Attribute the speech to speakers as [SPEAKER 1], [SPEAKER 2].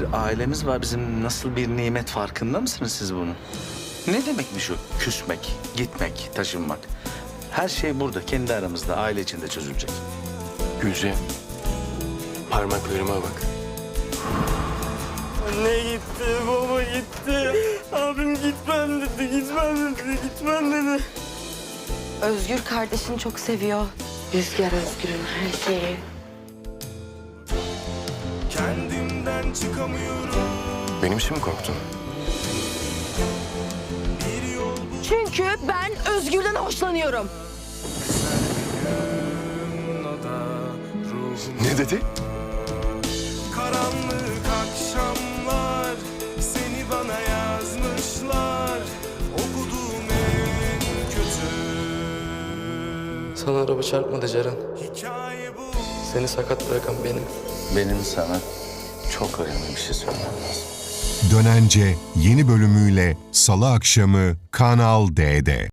[SPEAKER 1] ailemiz var. Bizim nasıl bir nimet farkında mısınız siz bunun? Ne demekmiş o küsmek, gitmek, taşınmak? Her şey burada, kendi aramızda, aile içinde çözülecek.
[SPEAKER 2] Gülce, parmaklarıma bak.
[SPEAKER 3] Anne gitti, baba gitti. Abim gitmem dedi, gitmem dedi, gitmem dedi.
[SPEAKER 4] Özgür kardeşini çok seviyor. Rüzgar Özgür'ün her şeyi.
[SPEAKER 3] Kendimden çıkamıyorum.
[SPEAKER 2] Benim için mi korktun?
[SPEAKER 4] Çünkü ben Özgür'den hoşlanıyorum.
[SPEAKER 2] Ne dedi?
[SPEAKER 3] Karanlık akşamlar seni bana yazmışlar. Okuduğum en kötü
[SPEAKER 5] Sana araba çarpmadı Ceren.
[SPEAKER 3] hikaye bu.
[SPEAKER 5] Seni sakat bırakan benim.
[SPEAKER 1] Benim sana çok önemli bir şey söylemem lazım.
[SPEAKER 6] Dönence yeni bölümüyle Salı akşamı Kanal D'de.